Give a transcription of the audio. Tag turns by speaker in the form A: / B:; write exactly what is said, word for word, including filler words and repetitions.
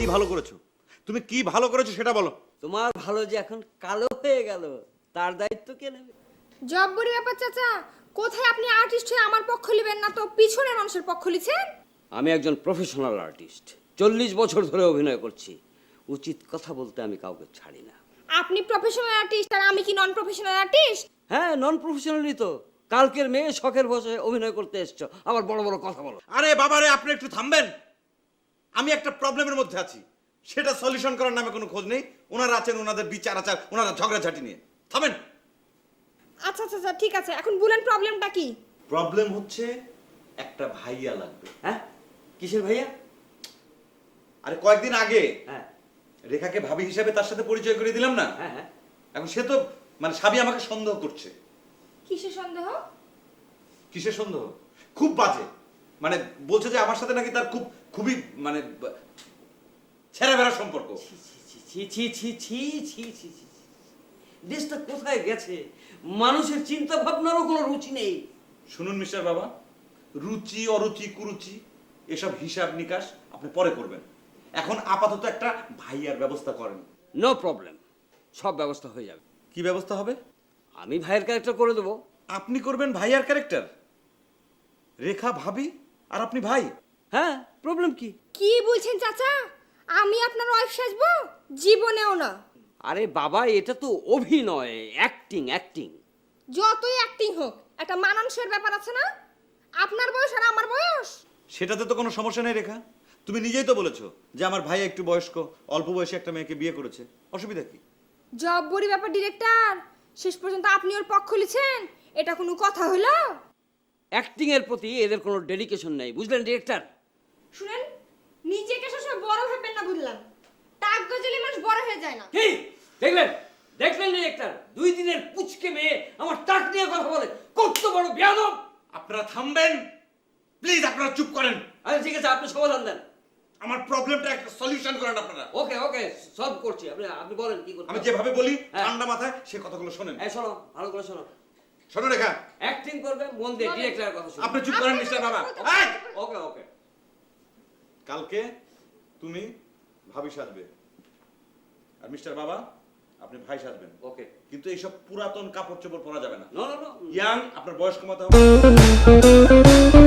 A: ভালো করেছো? তুমি কি ভালো করেছো সেটা বলো।
B: তোমার ভালো যে এখন কালো হয়ে গেল তার দায়িত্ব কে নেবে?
C: জব্বরি ব্যাপার চাচা, কোথায় আপনি আর্টিস্ট হয়ে আমার পক্ষ নেবেন না তো পিছনের মানুষের পক্ষ লিছেন?
B: আমি একজন প্রফেশনাল আর্টিস্ট, চল্লিশ বছর ধরে অভিনয় করছি। উচিত কথা বলতে আমি কাউকে ছাড়ি না।
C: আপনি প্রফেশনাল আর্টিস্ট আর আমি কি নন প্রফেশনাল আর্টিস্ট?
B: হ্যাঁ, নন প্রফেশনালই তো। কালকের মেয়ে শখের বসে অভিনয় করতে এসছো, আবার বড় বড় কথা বলো।
A: আরে বাবারে, আপনি একটু থামবেন। আমি একটা প্রবলেমের মধ্যে আছি, সেটা সলিউশন করার নামে কোনো খোঁজ নেই। ওনারা আছেন ওনাদের বিচার আচার, ওনারা ঝগড়াঝাটি নিয়ে। থামেন।
C: আচ্ছা আচ্ছা আচ্ছা, ঠিক আছে, এখন বলেন প্রবলেমটা কি?
A: প্রবলেম হচ্ছে একটা ভাইয়া লাগবে।
B: হ্যাঁ, কিসের ভাইয়া?
A: আরে কয়েকদিন আগে
B: হ্যাঁ
A: রেখাকে ভাবি হিসাবে তার সাথে পরিচয় করে দিলাম না?
B: হ্যাঁ হ্যাঁ।
A: এখন সে তো মানে স্বামী আমাকে সন্দেহ করছে।
C: কিসের সন্দেহ?
A: কিসের সন্দেহ? খুব বাজে, মানে বলছে যে আমার সাথে নাকি তার খুব খুবই মানে ছেঁড়া বেড়া সম্পর্ক।
B: ছি ছি ছি ছি ছি ছি ছি ছি। দেশটা কোথায় গেছে? মানুষের চিন্তা ভাবনারও কোনো রুচি নেই।
A: শুনুন মিস্টার বাবা, রুচি অরুচি কুরুচি এসব হিসাব নিকাশ আপনি পরে করবেন। এখন আপাতত একটা ভাইয়ার ব্যবস্থা করেন।
B: নো প্রবলেম, সব ব্যবস্থা হয়ে যাবে।
A: কি ব্যবস্থা হবে?
B: আমি ভাইয়ের ক্যারেক্টার করে দেবো।
A: আপনি করবেন ভাইয়ার ক্যারেক্টার? রেখা ভাবি আর আপনি ভাই?
B: হ্যাঁ, প্রবলেম কি?
C: কি বলছেন চাচা? আমি আপনার ওয়াইফ সাজবো? জীবনেও না।
B: আরে বাবা, এটা তো অভিনয়, অ্যাক্টিং অ্যাক্টিং।
C: যতই অ্যাক্টিং হোক, একটা মানানসইয়ের ব্যাপার আছে না? আপনার বয়স আর আমার বয়স।
A: সেটাতে তো কোনো সমস্যা নেই রেখা। তুমি নিজেই তো বলেছো যে আমার ভাই একটু বয়স্ক, অল্প বয়সে একটা মেয়েকে বিয়ে করেছে, অসুবিধা কি?
C: জব্বরি ব্যাপার ডিরেক্টর, শেষ পর্যন্ত আপনি ওর পক্ষ লিছেন, এটা কোনো কথা হলো?
B: অ্যাক্টিং এর প্রতি এদের কোনো ডেডিকেশন নেই, বুঝলেন ডিরেক্টর?
C: শুনেন, নিজেকে সবসময় বড় ভাববেন না, বুঝলাম? টাক গজলে মানুষ বড় হয়ে যায় না।
B: কি দেখলেন? দেখলেন ডিরেক্টর, দুই দিনের পুচকে মেয়ে আমার টাক নিয়ে কথা বলে, কত বড় বেয়াদব!
A: আপনারা থামবেন প্লিজ, আপনারা চুপ করেন।
B: আরে ঠিক আছে, আপনি সমাধান দেন।
A: আমার প্রবলেমটা একটা সলিউশন করেন আপনারা।
B: ওকে ওকে, সলভ করছি। আপনি আপনি বলেন কি করতে
A: আমি
B: হবে?
A: যেভাবে বলি
B: হ্যাঁ।
A: ঠান্ডা মাথায় সে কথাগুলো শোনেন।
B: এই শোনো, ভালো করে শোনো।
A: শোনো রেখা,
B: অ্যাক্টিং করবে মন দিয়ে,
C: বলেন।
B: ডিরেক্টরের কথা শুনুন।
A: আপনি চুপ করেন মিস্টার বাবা। এই!
B: ওকে ওকে।
A: কালকে তুমি ভাবি সাজবে আর মিস্টার বাবা আপনি ভাই সাজবেন।
B: ওকে।
A: কিন্তু এইসব পুরাতন কাপড় চোপড় পরা যাবে না।
B: No no no.
A: ইয়াং, আপনার বয়স কমাতে হবে।